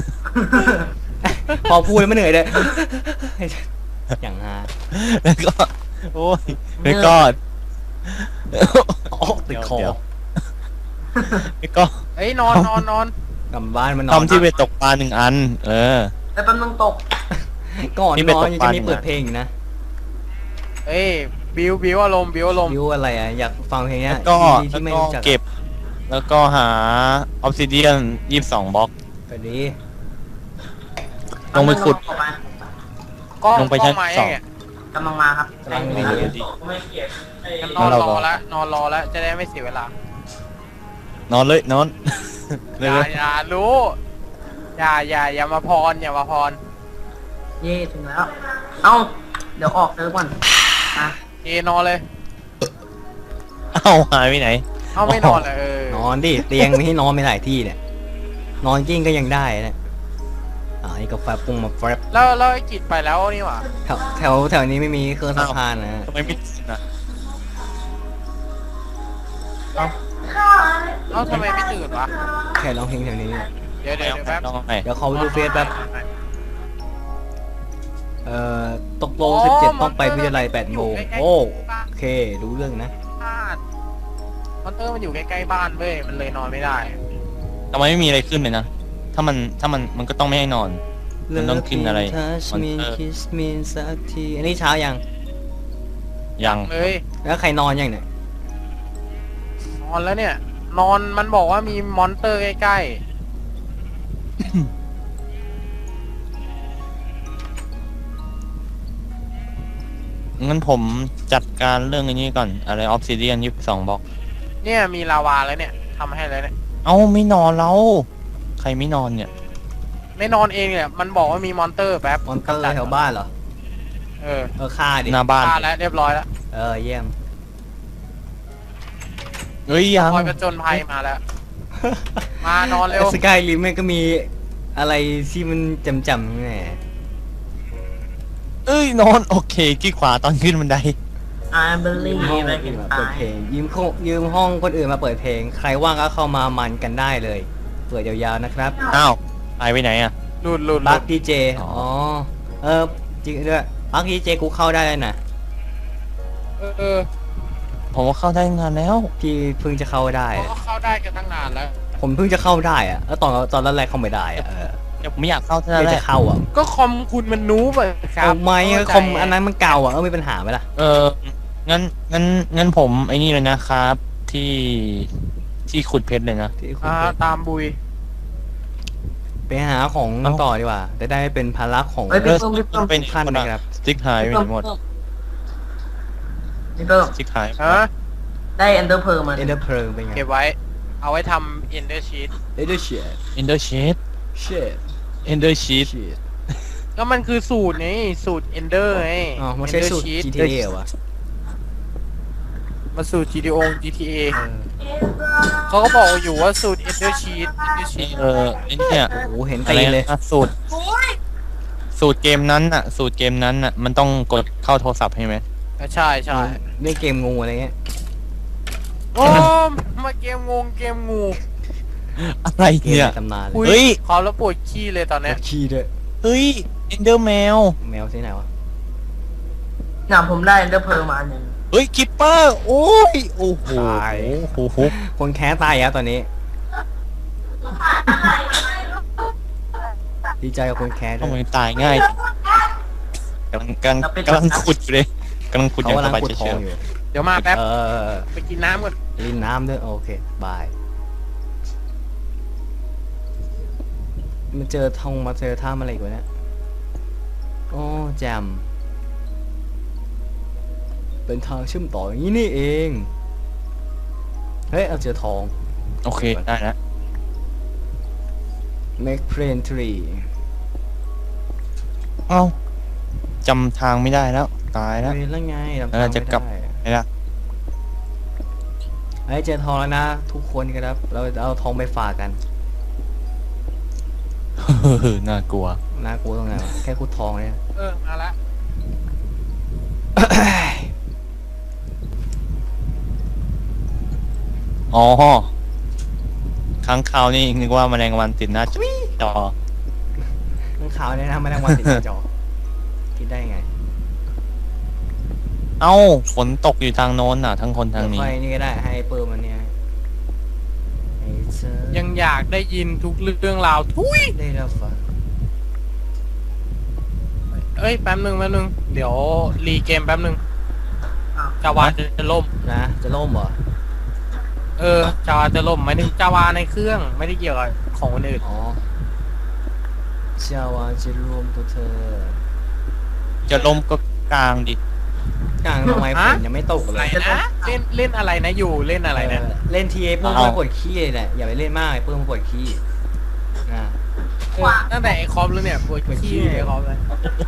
[SPEAKER 1] พอพูดแล้วไม่เหนื่อยเลย อย่างฮา
[SPEAKER 4] ำแล้วก็โอ้ยแล้วก็
[SPEAKER 1] โอ้ติดคอ
[SPEAKER 4] เดี๋ยว แล้วก็
[SPEAKER 3] เอ้ยนอนนอนนอน
[SPEAKER 1] กลับบ้านมันนอน
[SPEAKER 4] ทำที่ไปตกปลาหนึ่งอัน เออ
[SPEAKER 2] ไอ้แป๊บนึงตก
[SPEAKER 1] ก่อน
[SPEAKER 4] นี่
[SPEAKER 1] น
[SPEAKER 4] ไป
[SPEAKER 1] อน
[SPEAKER 4] ตก
[SPEAKER 1] ยัง
[SPEAKER 4] ปลา
[SPEAKER 1] จะมี
[SPEAKER 4] หนึ่ง
[SPEAKER 1] เปิด
[SPEAKER 4] นะ
[SPEAKER 1] เพลงอีกนะ
[SPEAKER 3] เอ้ยบิวบิวอารมณ์บิวอารมณ์
[SPEAKER 1] วิวอะไรอ่ะอยากฟังเพลงเนี้
[SPEAKER 4] แล้
[SPEAKER 1] ยว
[SPEAKER 4] ก็
[SPEAKER 1] ที่
[SPEAKER 4] แล้ว
[SPEAKER 1] ไม่
[SPEAKER 4] ก็
[SPEAKER 1] รู้จัก
[SPEAKER 4] เก็บ แล้วก็หาออ s ซิเดียนยี่สิบสองบล็อก
[SPEAKER 1] ไปดี
[SPEAKER 4] ลงไปขุด
[SPEAKER 2] ออกมา
[SPEAKER 3] กล้อง
[SPEAKER 4] ลงไป
[SPEAKER 3] กล้
[SPEAKER 4] ชั้
[SPEAKER 3] อน งมา
[SPEAKER 4] ส
[SPEAKER 3] ยั
[SPEAKER 4] อง
[SPEAKER 3] งไง
[SPEAKER 2] กำลังมาครับ
[SPEAKER 1] กำลัง
[SPEAKER 2] ใจ
[SPEAKER 1] ดี
[SPEAKER 2] เย็น
[SPEAKER 4] ดี
[SPEAKER 3] งั้นนอน
[SPEAKER 4] เรา
[SPEAKER 3] ร
[SPEAKER 4] ร
[SPEAKER 3] อ
[SPEAKER 4] อ
[SPEAKER 3] แล้วนอนรอแล้วจะได้ไม่เสียเวลาน
[SPEAKER 4] อนเลยนอน
[SPEAKER 3] อ
[SPEAKER 4] เลย
[SPEAKER 3] ย่าอย่ารู้อย่าอย่าอย่ามาพรอย่ามาพร
[SPEAKER 2] เย่ถึงแล้ว เอ้า เดี๋ยวออกเซิร์ฟก่อนนะ
[SPEAKER 3] เอนอนเลย
[SPEAKER 4] เอ้าหายไปไหน
[SPEAKER 3] เอาไม่นอนเลยเออน
[SPEAKER 1] อนดิเตียงมีให้นอนไม่หลายที่เนี่ยนอนกิ้งก็ยังได้นะอ่านี่กาแฟปรุงมาแฟบ
[SPEAKER 3] แล้วแล้วไอ้กิจไปแล้วนี่หว่า
[SPEAKER 1] แถวแถวแถวนี้ไม่มีเครื่องซักผ้านะ
[SPEAKER 4] ทำไมไม่ตื่นอ่ะ
[SPEAKER 3] เอ้าทำไมไม่ตื่นวะ
[SPEAKER 1] แค่ร้องเพลงแถวนี้
[SPEAKER 3] เดี๋ยวเดี๋ยวเดี๋ยวแป๊บ
[SPEAKER 4] ลองไง
[SPEAKER 1] เดี๋ยวเขาไปดูเฟซแป๊บเอ่อตกโลสิบเจ็ดต้องไปวิทยาลัยแปดโมงโอ้โอเครู้เรื่องนะ
[SPEAKER 3] บ้านมอนเตอร์มันอยู่ใกล้ๆบ้านเว้ยมันเลยนอนไม่ได้
[SPEAKER 4] ทำไมไม่มีอะไรขึ้นเลยนะ ถ้ามันถ้ามันมันก็ต้องไม่ให้นอน มันต้องกินอะไร
[SPEAKER 1] ทัชมิน
[SPEAKER 4] Monster
[SPEAKER 1] คิสมินสักทีอันนี้เช้ายัง
[SPEAKER 4] ยัง
[SPEAKER 3] เลย
[SPEAKER 1] แล้วใครนอนยังเนี่ย
[SPEAKER 3] นอนแล้วเนี่ย นอนมันบอกว่ามีมอนเตอร์ใกล้
[SPEAKER 4] งั้นผมจัดการเรื่องอันนี้ก่อน อะไรออ s ซิเดียนยี่สิบสองบล็อก
[SPEAKER 3] ๆเนี่ยมีลาวาแล้วเนี่ยทำให้แล้วเนี่ย
[SPEAKER 4] เอ้าไม่นอนแล้ว ใครไม่นอนเนี่ย
[SPEAKER 3] ไม่นอนเองเนี่ยมันบอกว่ามีมอนเตอร์แป๊บ
[SPEAKER 1] มอนเตอร์แถวบ้านเหรอ
[SPEAKER 3] เออ
[SPEAKER 1] เออฆ่าดิ
[SPEAKER 4] หน้าบ้าน
[SPEAKER 3] ฆ่าแล้วเรียบร้อยแล้ว
[SPEAKER 1] เออเยี่ยม
[SPEAKER 4] เฮ้ยยัง
[SPEAKER 3] คอยประจนภัยมาแล้ว มานอนเร็ว
[SPEAKER 1] สกายริมมันก็มีอะไรที่มันจำจำๆแหม
[SPEAKER 4] เอ้ยนอนโอเคขี้ขวาตอนขึ้นบันได
[SPEAKER 2] ไอ้เบลลี่
[SPEAKER 1] ห้อง
[SPEAKER 2] ไป
[SPEAKER 1] คน
[SPEAKER 2] กิ
[SPEAKER 1] อื่
[SPEAKER 2] น
[SPEAKER 1] นมา
[SPEAKER 2] ตา
[SPEAKER 1] เปิด
[SPEAKER 2] ย
[SPEAKER 1] เพลงยืมโคยืมห้องคนอื่นมาเปิดเพลง ใครว่างก็เข้ามามันกันได้เลย เปิดยาวๆนะครับ
[SPEAKER 4] อ้าวหายไปไหนอ่ะ
[SPEAKER 3] หลุดหลุดห
[SPEAKER 1] บั
[SPEAKER 3] ลุ
[SPEAKER 1] ก
[SPEAKER 3] ด
[SPEAKER 1] ดีเจ
[SPEAKER 4] อ๋อ
[SPEAKER 1] อ๋อเออจริงด้วยบักดีเจกูเข้าได้เลยนะ
[SPEAKER 3] เออเออ
[SPEAKER 4] ผมว่าเข้าได้งานแล้ว
[SPEAKER 1] พี่เพิ่งจะเข้าได้
[SPEAKER 3] เขาก็เข้าได้กันตั้งนานแล้ว
[SPEAKER 1] ผมเพิ่งจะเข้าได้อะแล้วตอนตอนแรกๆเข้าไม่ได้อะเออ
[SPEAKER 4] เดี๋ยวผมไม่อยากเข้าเท่า
[SPEAKER 1] เพิ่
[SPEAKER 4] นั้น
[SPEAKER 1] ง
[SPEAKER 4] แห
[SPEAKER 1] จะ
[SPEAKER 4] ละ
[SPEAKER 1] เข้าอ่ะ
[SPEAKER 3] ก็คอมคุณมันนูบอะครั
[SPEAKER 1] เอา
[SPEAKER 3] บ
[SPEAKER 1] ไหม
[SPEAKER 3] เข้าใจ
[SPEAKER 1] คอมอันนั้นมันเก่าอ่ะเออมีปัญหาไหมล่ะ
[SPEAKER 4] เอองั้นงั้นงั้นผมไอ้นี่เลยนะครับ ที่ที่ขุดเพชรเลยนะ
[SPEAKER 1] ที่คุณ
[SPEAKER 3] อ่าตามบุย
[SPEAKER 1] ไปหาของ
[SPEAKER 4] เอ้า
[SPEAKER 1] ต่อดีกว่าจะได้เป็นภาระของ
[SPEAKER 2] เฮ้ยพี่เพิ่มพี่เพิ่ม
[SPEAKER 4] ไปไหน
[SPEAKER 1] ท่าน
[SPEAKER 4] หมด
[SPEAKER 1] นะ
[SPEAKER 4] อะ
[SPEAKER 1] ครับ
[SPEAKER 4] สติ๊กหายไปไหนหมด
[SPEAKER 2] พี่เพิ่ม
[SPEAKER 4] สติ๊กหาย
[SPEAKER 3] ฮะ
[SPEAKER 2] ได้เอนเดอร์เพอร์มา
[SPEAKER 1] เอ็นเดอร์เพลิงเป็นไง
[SPEAKER 3] เก็บไว้ เอาไว้ทำ ender sheet
[SPEAKER 1] เอ็นเดอร์เชียด
[SPEAKER 4] เอนเดอร์ชีต
[SPEAKER 1] เชียด
[SPEAKER 4] เอนเดอร์ชีต
[SPEAKER 1] เชียด
[SPEAKER 3] ก็มันคือสูตรไงสูตร ender ไง
[SPEAKER 1] อ๋อมันใช้
[SPEAKER 3] Ender
[SPEAKER 1] สูตร
[SPEAKER 3] sheet
[SPEAKER 1] จี ที เอ เหรอวะ
[SPEAKER 3] มาสูตร จี ที โอ จี ที เอ
[SPEAKER 1] เออ
[SPEAKER 3] เขาก็บอกอยู่ว่าสูตร ender sheet ender sheet
[SPEAKER 4] เออไอ้เนี่ย
[SPEAKER 1] โอ้โหเห็น
[SPEAKER 4] อะ
[SPEAKER 1] ตี
[SPEAKER 4] ไร
[SPEAKER 1] นเลย
[SPEAKER 4] นะสูตร สูตรเกมนั้นน่ะ สูตรเกมนั้นน่ะ มันต้องกดเข้าโทรศัพท์ใช่ไหม
[SPEAKER 3] ใช่ใช่
[SPEAKER 1] เล่นเกมงูอะไรเงี้ย
[SPEAKER 3] โอ้มาเกมงงเกมงู
[SPEAKER 4] อะไร
[SPEAKER 1] เกม
[SPEAKER 4] เนี่ย
[SPEAKER 1] ในตำนานเล
[SPEAKER 3] อุ้
[SPEAKER 1] ย
[SPEAKER 4] เฮ้
[SPEAKER 3] ย
[SPEAKER 4] ย
[SPEAKER 3] ขอแล้วปวดขี้เลยตอนเนี้ย
[SPEAKER 1] ขี้ด้วย
[SPEAKER 4] เฮ้ยเอนเดอร์แมว
[SPEAKER 1] แมวที่ไหนวะ
[SPEAKER 2] เนี่ยผมได้เดอร์เพลมาหนึ่ง
[SPEAKER 4] เฮ้ยคิปเปอร์โอ้ยโอ้โหโอ้โห
[SPEAKER 1] คนแค้ตายแล้วตอนนี้ ดีใจกับคนแค้ด้
[SPEAKER 4] ทำ
[SPEAKER 1] ว
[SPEAKER 4] ไม
[SPEAKER 1] ย
[SPEAKER 4] ตายง่ายกำลังกำลังกำลังขุดอยู่เลยกำลังขุดอ
[SPEAKER 1] เขา
[SPEAKER 4] ย่าง
[SPEAKER 1] กำ
[SPEAKER 4] ส
[SPEAKER 1] ลัง
[SPEAKER 4] บาย
[SPEAKER 1] ขุดท
[SPEAKER 4] เฉ
[SPEAKER 1] อง
[SPEAKER 4] ย
[SPEAKER 1] อยู่
[SPEAKER 3] เดี๋ยวมาแป๊บ
[SPEAKER 1] เออ
[SPEAKER 3] ไปกินน้ำก่อน
[SPEAKER 1] ลินน้ำด้วยโอเคบายมาเจอทองมาเจอท่ามอะไรอีกวะเนี่ยโอ้แจมเป็นทางเชื่อมต่ออย่างนี้นี่เองเฮ้ยเอาเจอทอง
[SPEAKER 4] ๆโอเคได้แล้ว
[SPEAKER 1] make plane tree
[SPEAKER 4] เอ้าจำทางไม่ได้แล้วตายแล้ว
[SPEAKER 1] เฮ้ยแล้วไงจำ
[SPEAKER 4] แล้วเราจะกลับ
[SPEAKER 1] ไม่ได้
[SPEAKER 4] ไอ้ละ
[SPEAKER 1] เฮ้ยเจอทองแล้วนะ ทุกคนครับ เราเอาทองไปฝากกัน
[SPEAKER 4] น่ากลัว
[SPEAKER 1] น่ากลัวตรงไหนวะแค่ขุดทองเนี่ย
[SPEAKER 3] เออมาละ
[SPEAKER 4] อ๋อค้างคาวนี่นึกว่าแมลงวันติดหน้าจอ
[SPEAKER 1] ข้างขาวเนี่ยนะแมลงวันติดหน้าจอคิดได้ไง
[SPEAKER 4] เอ้าฝนตกอยู่ทางโน้นน่ะ ทั้งคนทางนี้
[SPEAKER 1] เดี๋ยวค่อยนี่ก็ได้ให้เปิร์มันเนี่ยให้เธอ
[SPEAKER 3] ยังอยากได้ยินทุกเรื่องราวทุย
[SPEAKER 1] ได้รับฟัง
[SPEAKER 3] เอ้ยแป๊บนึงแป๊บนึงเดี๋ยวรีเกมแป๊บนึง
[SPEAKER 2] อ้าว
[SPEAKER 3] จาวาจะล่ม
[SPEAKER 1] นะจะล่มเหรอ
[SPEAKER 3] เออจาวาจะล่มหมายถึงจาวาในเครื่องไม่ได้เกี่ยวกับของคนอื่น
[SPEAKER 1] อ๋อเชื่อว่าจะรวมตัวเธอ
[SPEAKER 4] จะลมก็กลางดิ
[SPEAKER 1] กลางทำไมฝนยังไม่ตก
[SPEAKER 3] อะ
[SPEAKER 1] เล
[SPEAKER 3] ไร
[SPEAKER 1] ย
[SPEAKER 3] นะเล่นเล่นอะไรนะอยู่เล่นอะไรนะ
[SPEAKER 1] เออเล่นทีเอเพิ่มมาปวดขี้เลยแหละอย่าไปเล่นมากเพิ่มมาปวดขี้นะ
[SPEAKER 3] เออตั้งแต่ไอคอมแล้วเนี่ยปวด
[SPEAKER 1] ปวดขี้
[SPEAKER 3] ขี้ไอคอมเลย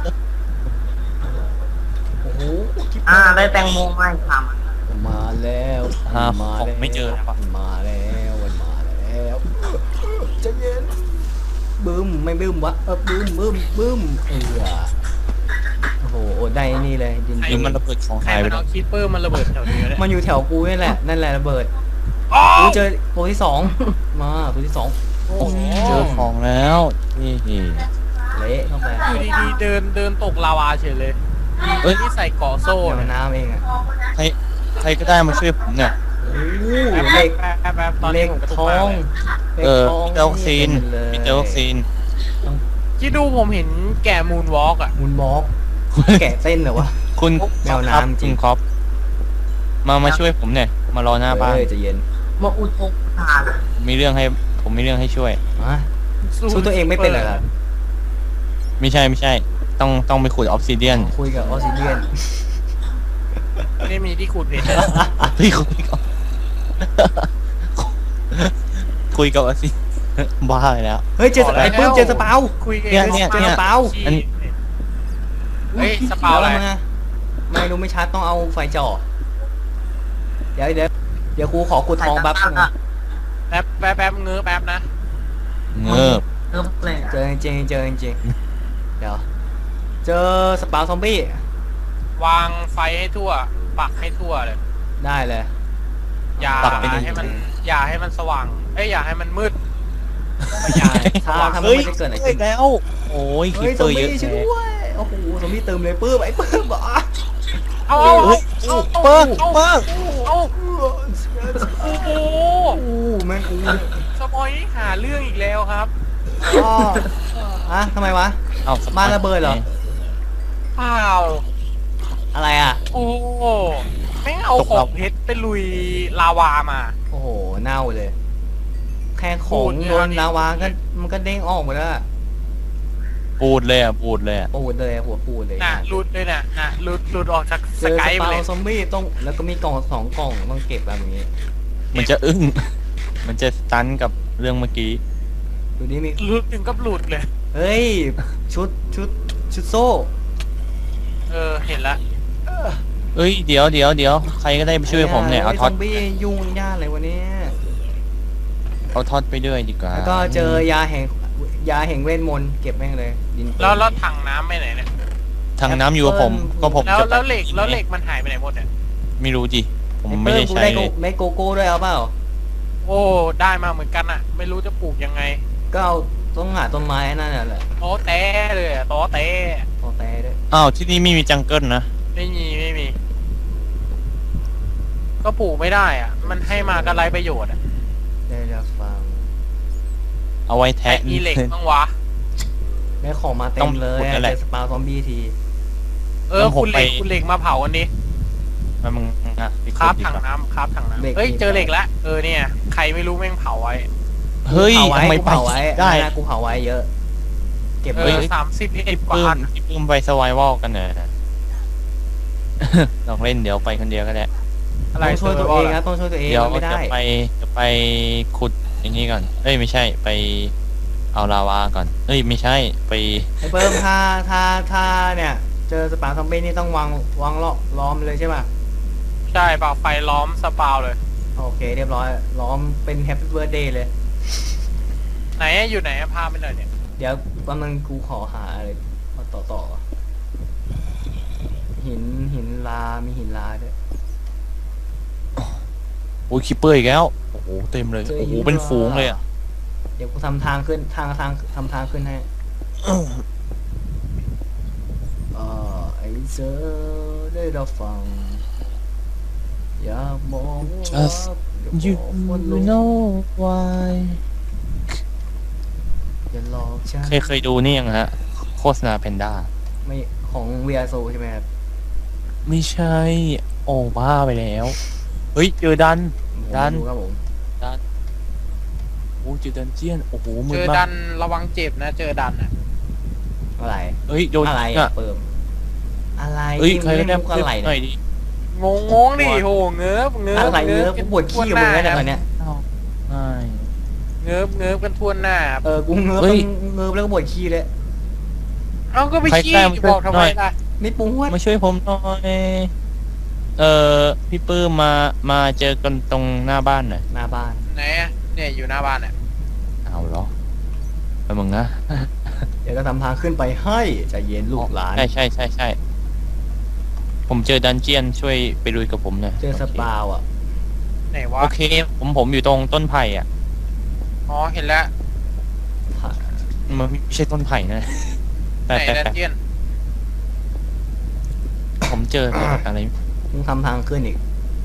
[SPEAKER 1] โอ้โหกิ๊บ
[SPEAKER 2] อ่าได้แตงโมมาอีกสามอัน
[SPEAKER 1] มาแล้ว
[SPEAKER 4] หา
[SPEAKER 1] มา
[SPEAKER 4] ของ
[SPEAKER 1] แล้ว
[SPEAKER 4] ไม่เจอแล้ววะ
[SPEAKER 1] มาแล้วมันมาแล้วใจะเย็นบึ้มไม่บึ้มวะเออบึ้มบึ้มบึ้มเออโอ้โหได้นี่เลยดิน
[SPEAKER 4] หรือมันระเบิดของ
[SPEAKER 3] ใคร
[SPEAKER 4] หายไป
[SPEAKER 3] มัน
[SPEAKER 4] แล้ว
[SPEAKER 3] เอาคิปเปอร์มันระเบิดแถวนี้เนี่ย
[SPEAKER 1] มันอยู่แถวกูนี่แหละนั่นแหละระเบิด
[SPEAKER 3] อ๋อ
[SPEAKER 1] กูเจอตัวที่สองมาตัวที่สอง
[SPEAKER 3] โอ้โห
[SPEAKER 4] เจอของแล้วนี่
[SPEAKER 1] เละเข้าไป
[SPEAKER 3] อยู่ดีๆเดินเดินตกลาวาเฉยเลย
[SPEAKER 4] เอ้ย
[SPEAKER 3] ที่ใส่เกาะโซ่
[SPEAKER 1] เดี๋ยว
[SPEAKER 3] เนี่ย
[SPEAKER 1] น้ำเองอ่ะ
[SPEAKER 4] ใครใครก็ได้มาช่วยผมเนี่ย
[SPEAKER 1] โอ้โห
[SPEAKER 3] แป๊บ
[SPEAKER 1] เหล็ก
[SPEAKER 3] แป๊บแป๊บแป๊บตอน
[SPEAKER 1] เห
[SPEAKER 3] นี้
[SPEAKER 1] ล็ก
[SPEAKER 3] ผมกระตุ
[SPEAKER 1] ท
[SPEAKER 3] ก
[SPEAKER 1] อ
[SPEAKER 3] มาก
[SPEAKER 1] ง
[SPEAKER 3] เลย
[SPEAKER 4] เออ
[SPEAKER 1] หล็กทง
[SPEAKER 4] เจอวัคซีน
[SPEAKER 1] ต็มเลย
[SPEAKER 4] พี่เจอวัคซีน
[SPEAKER 3] คิดดูผมเห็นแก่มูนวอล์กอ่ะ
[SPEAKER 1] มุนบล็อกแกะเส้นเหรอวะ
[SPEAKER 4] คุณ
[SPEAKER 1] แมวน้ำจริง
[SPEAKER 4] คุณครับมามาช่วยผมเนี่ยมารอหน้าบ้าน
[SPEAKER 1] เออใจะเย็น
[SPEAKER 2] มาอุทกทาน
[SPEAKER 4] ผมมีเรื่องให้ผมมีเรื่องให้ช่วย
[SPEAKER 1] มาสู้ตัวเองไม่เป็นเหรอครับ
[SPEAKER 4] ไม่ใช่ไม่ใช่ ต้องต้องไปขุดออฟซิเดียน
[SPEAKER 1] คุยกับออซิเดียน
[SPEAKER 3] ไม่มีที่ขุดเพชร
[SPEAKER 4] เฮ้ยคุยกับคุยกับออฟซิบ้าไปแล้ว
[SPEAKER 1] เฮ้ยเจอส
[SPEAKER 3] บอกแล้ว
[SPEAKER 1] ไอ้ปื้มเจอสเปา
[SPEAKER 3] คุยกัน
[SPEAKER 4] เนี่ยเนี่ย
[SPEAKER 1] เจอ
[SPEAKER 4] เนี่ย
[SPEAKER 1] สเปา
[SPEAKER 4] อัน
[SPEAKER 3] เฮ้ยสเปาอะไร
[SPEAKER 1] ดี๋ยวมาไม่รู้ไม่ชัดต้องเอาไฟจ่อเดี๋ยวเดี๋ยวเดี๋ยวครูขอขุดทองแป๊บนึง
[SPEAKER 3] แป๊บแป๊บแป๊บเงื้อแป๊บนะ
[SPEAKER 4] เงิบ
[SPEAKER 2] เริ่มเลย
[SPEAKER 1] เจอจริงๆเจอจริงๆเดี๋ยวเจอสเปาซอมบี้
[SPEAKER 3] วางไฟให้ทั่ว ปักให้ทั่วเลย
[SPEAKER 1] ได้เลย
[SPEAKER 3] อย่า
[SPEAKER 4] ปักไปดิ
[SPEAKER 3] ให้มัน อย่าให้มันสว่าง เอ้ยอย่าให้มันมืด
[SPEAKER 1] อย่าถ้าถ้ามัน
[SPEAKER 4] เฮ้ย
[SPEAKER 1] ไม่ได้เกิดอะไร
[SPEAKER 4] เฮ้
[SPEAKER 1] ขึ้
[SPEAKER 4] ย
[SPEAKER 1] น
[SPEAKER 4] แล้ว โอ้ยคิ
[SPEAKER 1] เฮ้
[SPEAKER 4] ป
[SPEAKER 1] ย
[SPEAKER 4] เป
[SPEAKER 1] ซอ
[SPEAKER 4] อ
[SPEAKER 1] ม
[SPEAKER 4] ร์เย
[SPEAKER 1] บี้
[SPEAKER 4] อะ
[SPEAKER 1] ช่วย
[SPEAKER 4] แยะ
[SPEAKER 1] ด้วยโอ้โหซอมบี้เติมเลยปื้มไอ้ปื้มเหรอ
[SPEAKER 3] เอาเอา
[SPEAKER 4] เฮ้ย
[SPEAKER 3] เอา
[SPEAKER 4] เปิ้ง
[SPEAKER 3] เอา
[SPEAKER 4] เปิ้ง
[SPEAKER 3] เอาโอ้โห
[SPEAKER 1] โอ้แม่งอู้
[SPEAKER 3] สปอยหาเรื่องอีกแล้วครับ
[SPEAKER 1] อ้ออะทำไมวะ
[SPEAKER 4] เอาส
[SPEAKER 1] บ้านระเบิดเหรอ
[SPEAKER 3] เปล่า
[SPEAKER 1] อะไรอ่ะ
[SPEAKER 3] โอ้โหแม่งเอาของเพชรไปลุยลาวามา
[SPEAKER 1] โอ้โหเน่าเลย แค่ของ
[SPEAKER 3] ปูดเนี่ย
[SPEAKER 1] โดนลาวาก็มันก็เด้งออกหมดแล้วอะ
[SPEAKER 4] ปูดเลยอ่ะปูดเลยอ่ะ
[SPEAKER 1] ปูดเลยหัวปูดเลย
[SPEAKER 3] น่ะหลุดเลยน่ะน่ะหลุดหลุดออกจาก
[SPEAKER 1] เจ
[SPEAKER 3] ส
[SPEAKER 1] อก
[SPEAKER 3] ายไป
[SPEAKER 1] สเปา
[SPEAKER 3] เลย
[SPEAKER 1] ซอมบี้ต้องแล้วก็มีกล่องสองกล่องต้องเก็บแบบนี้
[SPEAKER 4] มันจะอึ้ง มันจะสตันกับเรื่องเมื่อกี้
[SPEAKER 1] ดูนี่มี
[SPEAKER 3] หลุดถึงกับหลุดเลย
[SPEAKER 1] เฮ้ยชุดชุดชุดโซ่
[SPEAKER 3] เออเห็นละ
[SPEAKER 4] เอ้ยเดี๋ยวเดี๋ยวเดี๋ยวใครก็ได้ไปช่วยผมเนี่ยเอา
[SPEAKER 1] ฮ้
[SPEAKER 4] ท็อต
[SPEAKER 1] ซอมบี้ยุ่งยากเลยวันนี้
[SPEAKER 4] เอาท็อตไปด้วยดีกว่า
[SPEAKER 1] แล้วก็เจอยาแห่งยาแห่งเวทมนต์เก็บแม่งเลยดิน
[SPEAKER 3] แล้วแล้วถังน้ำไปไหนเนี่ย
[SPEAKER 4] ทางน้ำอยู่กับผม ก็ผม
[SPEAKER 3] แล้ว
[SPEAKER 4] จะ
[SPEAKER 3] แล้วเหล็กแล้วเหล็กมันหายไปไหนหมดเนี่ย
[SPEAKER 4] ไม่รู้จิผม
[SPEAKER 1] อ้
[SPEAKER 4] ไม่ได้
[SPEAKER 1] เปิ้ลกู
[SPEAKER 4] ใช้
[SPEAKER 1] ได้
[SPEAKER 4] เล
[SPEAKER 1] โก
[SPEAKER 4] ย
[SPEAKER 1] ไม่โกโก้ด้วยเอาเปล่า
[SPEAKER 3] โอ้ได้มาเหมือนกันอะไม่รู้จะปลูกยังไง
[SPEAKER 1] ก็เอาต้องหาต้นไม้นั่นแหละ
[SPEAKER 3] โตะเต้เลยอะโตะเต้
[SPEAKER 1] โอแตด้วย
[SPEAKER 4] อ้าวที่นี่ไม่มีจังเกิลนะ
[SPEAKER 3] ไม่มีไม่มี ก็ปลูกไม่ได้อ่ะ มันให้มาก็ไรประโยชน์อ่ะ
[SPEAKER 1] ได้รับฟัง
[SPEAKER 4] เอาไว้
[SPEAKER 3] แต่
[SPEAKER 4] แทะ
[SPEAKER 3] อีเหล็กบ้างวะ
[SPEAKER 1] ได้ของมาเต็
[SPEAKER 4] ต้อ
[SPEAKER 1] ม
[SPEAKER 4] ง
[SPEAKER 1] เลย
[SPEAKER 4] ขุดนั่นแหละ
[SPEAKER 1] เจอสปาซอมบี้ที
[SPEAKER 3] เออ
[SPEAKER 4] แล้วผม
[SPEAKER 3] คุณเหล็ก
[SPEAKER 4] ไป
[SPEAKER 3] คุณเหล็กมาเผากันดิ
[SPEAKER 4] มามึงอ่ะไป
[SPEAKER 3] คราบ
[SPEAKER 4] ดี
[SPEAKER 3] ถัง
[SPEAKER 4] กว่า
[SPEAKER 3] น้ำคราบถังน้ำเฮ้ยเจอเหล็กแล้วเออเนี่ยใครไม่รู้แม่งเผาไว้
[SPEAKER 4] เฮ้ย
[SPEAKER 1] กูเผาไว้
[SPEAKER 4] ทำไม
[SPEAKER 1] กู
[SPEAKER 4] ไป
[SPEAKER 1] เผาไว้
[SPEAKER 4] ได้
[SPEAKER 1] นะกูเผาไว้เยอะ เก็บ
[SPEAKER 3] เอ
[SPEAKER 1] ไว้
[SPEAKER 3] อสามสิบเอ็ดกว่า
[SPEAKER 4] ปื้
[SPEAKER 3] อั
[SPEAKER 4] ม
[SPEAKER 3] น
[SPEAKER 4] พี่ปื้มไปสวายวอลกันเนอะ ลองเล่นเดี๋ยวไปคนเดียวก็ได้
[SPEAKER 3] อะไร
[SPEAKER 1] ต้องช่วยตัวเองนะต้องช่วยตัวเอง
[SPEAKER 4] เดี๋ยว
[SPEAKER 1] ไม่
[SPEAKER 4] จะ
[SPEAKER 1] ได้
[SPEAKER 4] ไปจะไปขุดอย่างนี้ก่อน เอ้ยไม่ใช่ไปเอาลาวาก่อน เอ้ยไม่ใช่ไป
[SPEAKER 1] ไอ้เพิ่มถ้าถ้าถ้าเนี่ย เจอสปาซอมบี้นี่ต้องวางวางล้อล้อมเลยใช่ป่ะ
[SPEAKER 3] ใช่เปล่าไฟล้อมสปาวเลย
[SPEAKER 1] โอเคเรียบร้อยล้อมเป็นแฮปปี้เบิร์ดเดย์เลย
[SPEAKER 3] ไหนอะอยู่ไหนอะพาไปหน่อยเนี่ย
[SPEAKER 1] เดี๋ยวแป๊บนึงกูขอหาอะไรมาต่อต่อ หินหินลา มีหินลาด้วย
[SPEAKER 4] โอ้ยคิปเปอร์อีกแล้ว โอ้โหเต็มเลย
[SPEAKER 1] จ
[SPEAKER 4] โอ้โห
[SPEAKER 1] หิ
[SPEAKER 4] เป็นฝูงเลยอ่ะ
[SPEAKER 1] เดี๋ยวกูทำทางขึ้นทางทางทำทางขึ้นให้ เออไอ้เจอได้รับฟัง อยากมองว่า
[SPEAKER 4] Just
[SPEAKER 1] เดี๋ยว
[SPEAKER 4] you
[SPEAKER 1] บอกว่าโลก
[SPEAKER 4] know why
[SPEAKER 1] อย่าหลอกฉัน
[SPEAKER 4] เคยเคยดูนี่ยังฮะ โฆษณาแพนด้า
[SPEAKER 1] ไม่ของ วี อาร์ โซ ใช่ไหมครับ
[SPEAKER 4] ไม่ใช่ โอ้บ้าไปแล้ว เฮ้ย เจอดัน
[SPEAKER 1] ผม
[SPEAKER 4] ดัน
[SPEAKER 1] ไม่รู้ครับผม
[SPEAKER 4] โอ้เจอดันเจียน โอ้โหมื
[SPEAKER 3] เจ
[SPEAKER 4] ด
[SPEAKER 3] อ
[SPEAKER 4] มา
[SPEAKER 3] ดั
[SPEAKER 4] ก
[SPEAKER 3] นระวังเจ็บนะ เจอดันอะ
[SPEAKER 1] อะไร
[SPEAKER 4] เฮ้ย โดน
[SPEAKER 1] อะไร
[SPEAKER 4] อ่ะ
[SPEAKER 1] อะเปิมอะไร
[SPEAKER 4] เฮ้ย
[SPEAKER 1] ที่
[SPEAKER 4] ใครก็ได้
[SPEAKER 1] เล่นมุกอะไร
[SPEAKER 4] หน่
[SPEAKER 1] เนี่
[SPEAKER 4] อย
[SPEAKER 1] ย
[SPEAKER 4] ดิ
[SPEAKER 3] งงงงดิโหเงิบเงิบ
[SPEAKER 1] อะไรเนื้อกูปวดขี้กับมึงแล้วเนี่ยตอนเนี้ย
[SPEAKER 4] ใช่
[SPEAKER 3] เงิบเงิบกันทั่วหน้าครับ
[SPEAKER 1] เออกูเงือบ
[SPEAKER 4] เฮ้ย
[SPEAKER 1] เงือบแล้วก็ปวดขี้เลย
[SPEAKER 3] เอาก็ไป
[SPEAKER 4] ใคร
[SPEAKER 3] ขี้
[SPEAKER 4] แกล้งมัน
[SPEAKER 3] บอกทำไม
[SPEAKER 4] หน่อย
[SPEAKER 3] ล่ะ
[SPEAKER 1] ไม่ปวด
[SPEAKER 4] มาช่วยผมหน่อย เอ่อ พี่ปื้มมา มาเจอกันตรงหน้าบ้านหน่อย
[SPEAKER 1] หน้าบ้าน
[SPEAKER 3] ไหนอะเนี่ยอยู่หน้าบ้านเนี่ย
[SPEAKER 4] เอาเหรอไปมึงนะ
[SPEAKER 1] เดี๋ยวก็ทำทางขึ้นไปให้ใจเย็นลูกหลาน
[SPEAKER 4] ใช่ใช่ใช่ใช่ ผมเจอดันเจียนช่วยไปลุยกับผมหน่อย
[SPEAKER 1] เจอสปาวอ่ะ
[SPEAKER 3] ไหนวะ
[SPEAKER 4] โอเค ผมผมอยู่ตรงต้นไผ่อ่ะ
[SPEAKER 3] อ๋อเห็นแล้ว
[SPEAKER 4] มันไม่ใช่ต้นไผ่นะ
[SPEAKER 3] ไห
[SPEAKER 4] แต่
[SPEAKER 3] น
[SPEAKER 4] แต่
[SPEAKER 3] ดัน
[SPEAKER 4] แต่
[SPEAKER 3] เจียน
[SPEAKER 4] ผมเจออะไร
[SPEAKER 1] มึงทำทางขึ้นอีก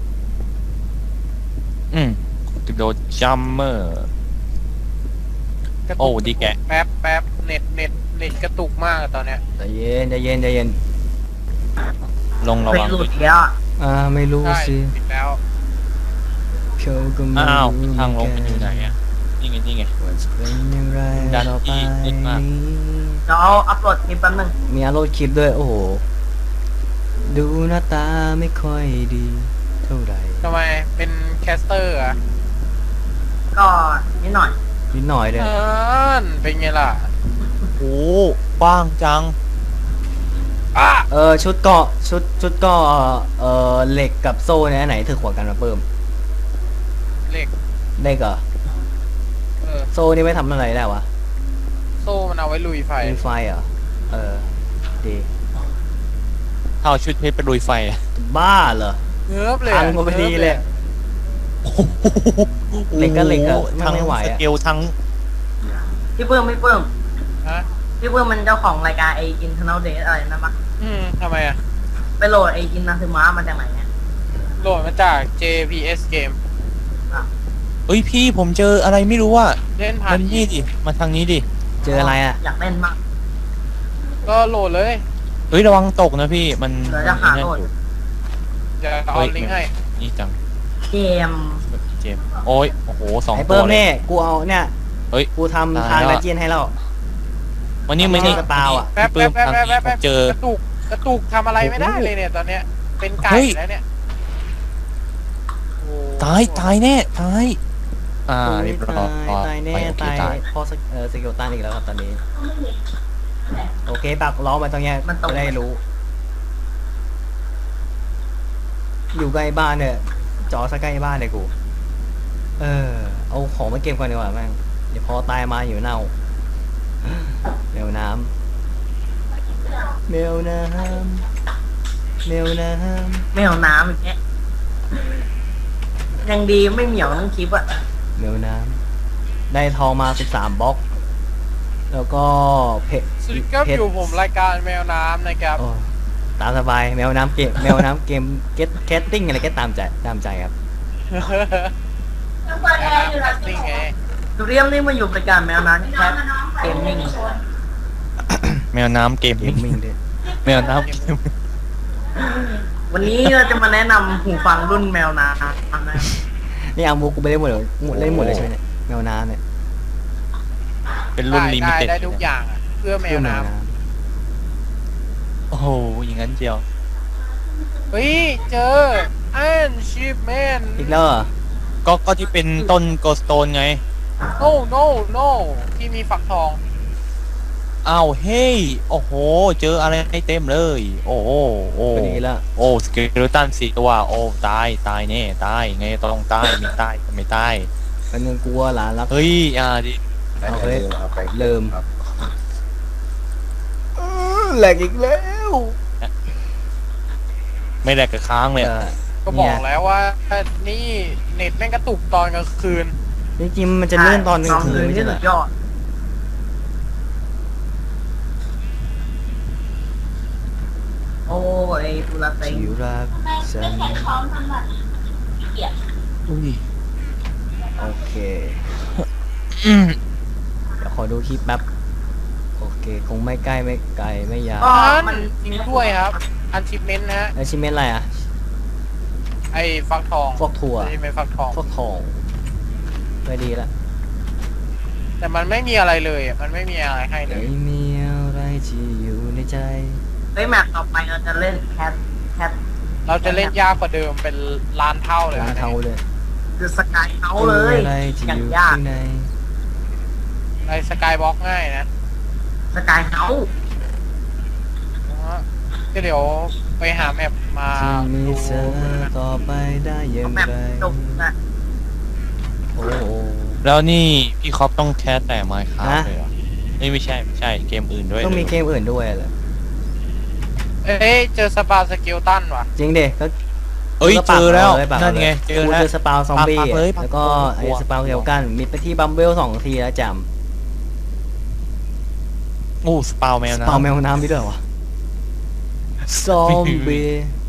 [SPEAKER 4] อืมติดโดจัมเมอร์
[SPEAKER 3] กระตุก
[SPEAKER 4] โอ้ดีแกะ
[SPEAKER 3] แป๊บแป๊บเน็ตเน็ตเน็ตกระตุกมากอะตอนเนี้ย
[SPEAKER 1] ใจเย็นใจเย็นใจเย็น
[SPEAKER 4] ลงระ
[SPEAKER 2] ไป
[SPEAKER 4] วัง
[SPEAKER 2] หลุดอีกแล้วอะ
[SPEAKER 1] อ่าไม่รู้
[SPEAKER 3] ใช่
[SPEAKER 1] สิ
[SPEAKER 3] ปิดแล้ว
[SPEAKER 1] เพียวก็ไม่
[SPEAKER 4] อ้าว
[SPEAKER 1] รู้
[SPEAKER 4] ทางลงมันอยู่ไหนอ่ะ นี่ไงนี่ไง
[SPEAKER 1] ว่าจะเป็นอย่างไร
[SPEAKER 4] ดัน
[SPEAKER 1] ต่อไป
[SPEAKER 4] ที่นิดมาก
[SPEAKER 1] นี้
[SPEAKER 2] เดี๋ยวเอาอัพโหลดคลิปแป๊บนึง
[SPEAKER 1] มีอารมณ์คลิปด้วย โอ้โห ดูหน้าตาไม่ค่อยดีเท่าไหร่
[SPEAKER 3] ทำไมเป็นแคสเตอร์อะ
[SPEAKER 2] ก็นิดหน่อย
[SPEAKER 1] นิดหน่อยเลย
[SPEAKER 3] เออเป็นไงล่ะ
[SPEAKER 4] โอ้กว้างจัง
[SPEAKER 3] อ่ะ
[SPEAKER 1] เออชุดเกาะชุดชุดเกาะเออเหล็กกับโซ่เนี่ยอันไหนถือกว่ากันมาเพิ่ม
[SPEAKER 3] เหล็ก
[SPEAKER 1] เหล็กเหรอ
[SPEAKER 3] เออ
[SPEAKER 1] โซ่นี่ไม่ทำอะไรได้วะ
[SPEAKER 3] โซ่มันเอาไว้ลุยไฟ
[SPEAKER 1] มีไฟเหรอเออดี
[SPEAKER 4] ถ้าเอาชุดเพชรไปลุยไฟอะ
[SPEAKER 1] บ้าเหรอ
[SPEAKER 3] เงือบเลย
[SPEAKER 1] พั
[SPEAKER 3] อะ
[SPEAKER 1] งก็ไม่ดีเลย เหล็กก็เหล็กอะมัน
[SPEAKER 4] ทั้ง
[SPEAKER 1] ไม่ไหว
[SPEAKER 4] ส
[SPEAKER 1] อะ
[SPEAKER 4] เกลทั้ง
[SPEAKER 2] พี่เพิ่มพี่เพิ่ม
[SPEAKER 3] ฮะ
[SPEAKER 2] พี่เพิ่มมันเจ้าของรายการไอ้ Internal Date อะไรนะมะ
[SPEAKER 3] อืมทำไมอะ
[SPEAKER 2] ไปโหลดไอ้อินนาซึมะมาจากไหนเนี่ย
[SPEAKER 3] โหลดมาจาก เจ พี เอส Game
[SPEAKER 4] เอ้ยพี่ผมเจออะไรไม่รู้อ่ะ
[SPEAKER 3] เล่นผ่า
[SPEAKER 4] มัน นนี่ดิ มาทางนี้ดิ
[SPEAKER 1] เจออะไรอ่ะ
[SPEAKER 2] อยากเล่นมาก
[SPEAKER 3] ก็โหลดเลย
[SPEAKER 4] เฮ้ยระวังตกนะพี่ มัน
[SPEAKER 2] เดี๋ยวจะหา
[SPEAKER 4] มัน
[SPEAKER 2] โหลด
[SPEAKER 4] อยู่
[SPEAKER 3] เดี๋ยวเอาลิงก์ให้
[SPEAKER 4] นี่จัง
[SPEAKER 2] เกม
[SPEAKER 4] เจมส์โอ้ย โอ้โหสอง
[SPEAKER 1] ไอ้
[SPEAKER 4] ตั
[SPEAKER 1] เพิ่
[SPEAKER 4] ว
[SPEAKER 1] ม
[SPEAKER 4] เลย
[SPEAKER 1] เนี่ยกูเอาเนี่ย
[SPEAKER 4] เฮ้ย
[SPEAKER 1] กูทำ
[SPEAKER 4] ตาย
[SPEAKER 1] ทาง
[SPEAKER 4] แล้ว
[SPEAKER 1] ดันเจียนให้แล้ว
[SPEAKER 4] วันนี้
[SPEAKER 1] ไม่
[SPEAKER 4] มันนี่
[SPEAKER 1] ใช่สปาวอะ
[SPEAKER 3] แป๊บ
[SPEAKER 4] พี่
[SPEAKER 3] แป๊บ
[SPEAKER 4] ปื้
[SPEAKER 3] แป๊บ
[SPEAKER 4] ม
[SPEAKER 3] แป๊บ
[SPEAKER 4] ทาง
[SPEAKER 3] แป๊บ
[SPEAKER 4] นี้
[SPEAKER 3] แป๊บ
[SPEAKER 4] ผมเจอ
[SPEAKER 3] กระตุกกระตุกทำอะไรไม่ได้เลยเนี่ยตอนเนี้ย เป็นไก่
[SPEAKER 4] เฮ้ย
[SPEAKER 3] แล้วเนี่ยโอ้
[SPEAKER 4] ตาย ตายแน่ ตาย อ่าเรียบร้อย
[SPEAKER 1] ตายตายแน่
[SPEAKER 4] ไปโอเค
[SPEAKER 1] ตาย
[SPEAKER 4] ตาย
[SPEAKER 1] เพราะสกเออสกิลตันอีกแล้วครับตอนนี้ โอเคปักล้อมไปตรงเนี้ยจะได้รู้ อยู่ใกล้บ้านเนี่ยจอซะใกล้บ้านเลยกู เออ เอาของมาเก็บก่อนดีกว่าแม่งเดี๋ยวพอตายมาอยู่เน่าแมวน้ำแมวน้ำแมวน้
[SPEAKER 2] ไม่เอาน้ำอีกแค่ยังดีไม่เหมียวทั้งคลิปอะ
[SPEAKER 1] ำแมวน้ำได้ทองมาสิบสามบล็อกแล้วก็เพชร
[SPEAKER 3] สวัสดีครับ
[SPEAKER 1] เพช
[SPEAKER 3] อยู่ผมรายการแมวน้ำนะครับ
[SPEAKER 1] โอ้ตามสบายแมวน้ำเกมแมวน้ำเกมเก็ตแคสติ้งอะไรก็ตามใจตามใจครับ
[SPEAKER 3] แมวน้ำแคสติ้งไง
[SPEAKER 2] จูเรียมนี่มาอยู่รายการแมวน้ำแคทเกมมิ่ง
[SPEAKER 4] แมวน้ำเกม
[SPEAKER 1] เกมมิ่งด้วย
[SPEAKER 4] แมวน้ำ
[SPEAKER 2] วันนี้เราจะมาแนะนำหูฟังรุ่นแมวน้ำนะ
[SPEAKER 1] นี่เอามูกูไปเล่นหมดเลยหมดเล่นหมดเลยใช่ไหมเนี่ยแมวน้ำเนี่ย
[SPEAKER 4] เป็นรุ่น
[SPEAKER 3] ได้
[SPEAKER 4] ลิมิ
[SPEAKER 3] ได้
[SPEAKER 4] เต็ด
[SPEAKER 3] ได้ทุกอย่างอะเพื่อแมวน้
[SPEAKER 4] โอ้โหอย่างนั้นเจียว
[SPEAKER 3] ำเฮ้ย เจออันชิปแมน
[SPEAKER 1] อีกแล้วเหรอ
[SPEAKER 4] ก็ก็ที่เป็นต้นโกสโตนไง
[SPEAKER 3] no no no ที่มีฝักทอง
[SPEAKER 4] อ้าวเฮ้ยโอ้โห เจออะไรให้เต็มเลย โอ้โหโอ้
[SPEAKER 1] ก็ดีแล้ว
[SPEAKER 4] โอ้สเกเลตันสี่ตัวโอ้ตายตายแน่ตายไงต้องตายไม่ตายก็ไม่ตาย
[SPEAKER 1] เป็นเงินกลัวหลานรัก
[SPEAKER 4] เฮ้ยอ่าดิ
[SPEAKER 1] เอาเฮ้ยเริ่มแหลกอีกแล้ว
[SPEAKER 4] ไม่แหลกกับค้างเลย
[SPEAKER 1] เออ
[SPEAKER 3] ก็บอกแล้วว่า นี่เน็ตแม่งกระตุกตอนกลางคืน
[SPEAKER 1] จริงๆมันจะเลื่อนตอนกลางคืนไม่
[SPEAKER 2] ที่
[SPEAKER 1] ใช่เหร
[SPEAKER 2] สุ
[SPEAKER 1] อ
[SPEAKER 2] ดยอดโอ้ยตุลาเต็ง
[SPEAKER 1] ที่รักฉัน
[SPEAKER 4] อุ้ย
[SPEAKER 1] โอเค
[SPEAKER 4] อืม
[SPEAKER 1] เดี๋ยวขอดูคลิปแป๊บโอเคคงไม่ใกล้ไม่ไกลไม่ยาว
[SPEAKER 2] ก็
[SPEAKER 3] อัน
[SPEAKER 2] มัน
[SPEAKER 3] จริงด้วยครับ อันชิปเมนต์นะฮะ
[SPEAKER 1] แล้วชิเมนอะไรอ่ะ
[SPEAKER 3] ไอ้ฟักทอง
[SPEAKER 1] ฟอกถั่ว
[SPEAKER 3] ที่เป็นฟักทอง
[SPEAKER 1] ฟอกทองไม่ดีละ
[SPEAKER 3] แต่มันไม่มีอะไรเลยอะมันไม่มีอะไรให้เลย
[SPEAKER 1] ไม่มีอะไรที่อยู่ในใจ
[SPEAKER 2] เฮ้ยแมปต่อไปเราจะเล่นแคทแคท
[SPEAKER 3] เราจะเล่นยากกว่าเดิมเป็นล้านเท่าเลย
[SPEAKER 1] ร้าน
[SPEAKER 3] นะ
[SPEAKER 1] เทาเลย
[SPEAKER 2] คือสกายเขาเลย
[SPEAKER 1] อะไรที่
[SPEAKER 2] อย่า
[SPEAKER 1] อง ยู่
[SPEAKER 2] ยาก
[SPEAKER 1] ข้างใน
[SPEAKER 3] ในสกายบล็อกง่ายนะ
[SPEAKER 2] สกายเขา
[SPEAKER 3] ก็เดี๋ยวไปหาแมปมา
[SPEAKER 1] ที่มี
[SPEAKER 3] ดู
[SPEAKER 1] เธอต่อไปได้อย่าง
[SPEAKER 2] แมป
[SPEAKER 1] ไร
[SPEAKER 2] จบนะ
[SPEAKER 1] โอ้โห
[SPEAKER 4] แล้วนี่พี่คอปต้องแคสแต่ไมค์ครับ
[SPEAKER 1] ฮะ
[SPEAKER 4] เลยเหรอเอ้ยไม่ใช่ไม่ใช่เกมอื่นด้วย
[SPEAKER 1] ต้องมี
[SPEAKER 4] หร
[SPEAKER 1] เกมอื่นด้วยเหรอ
[SPEAKER 3] เอ้ยเจอสปาสเกลตันว่ะ
[SPEAKER 1] จริงเด็กก็
[SPEAKER 4] เอ้ย
[SPEAKER 1] ก็
[SPEAKER 4] เจ
[SPEAKER 1] ปาก
[SPEAKER 4] อแล้ว
[SPEAKER 1] าเยปาก
[SPEAKER 4] นั่นไง
[SPEAKER 1] าลย
[SPEAKER 4] เจอ
[SPEAKER 1] กู
[SPEAKER 4] แล้ว
[SPEAKER 1] เจอสปาวซอมบี้
[SPEAKER 4] ปากเลย
[SPEAKER 1] แล้วก็
[SPEAKER 4] ปาก
[SPEAKER 1] ไอ้
[SPEAKER 4] กลัว
[SPEAKER 1] สปาวเดียวกันมิดไปที่บัมเบิลสองทีแล้วจ
[SPEAKER 4] โอ้สปาวแมว
[SPEAKER 1] ำส
[SPEAKER 4] นะ
[SPEAKER 1] ปาวแมวน้ำไปด้วยเหรอวะซอมบี้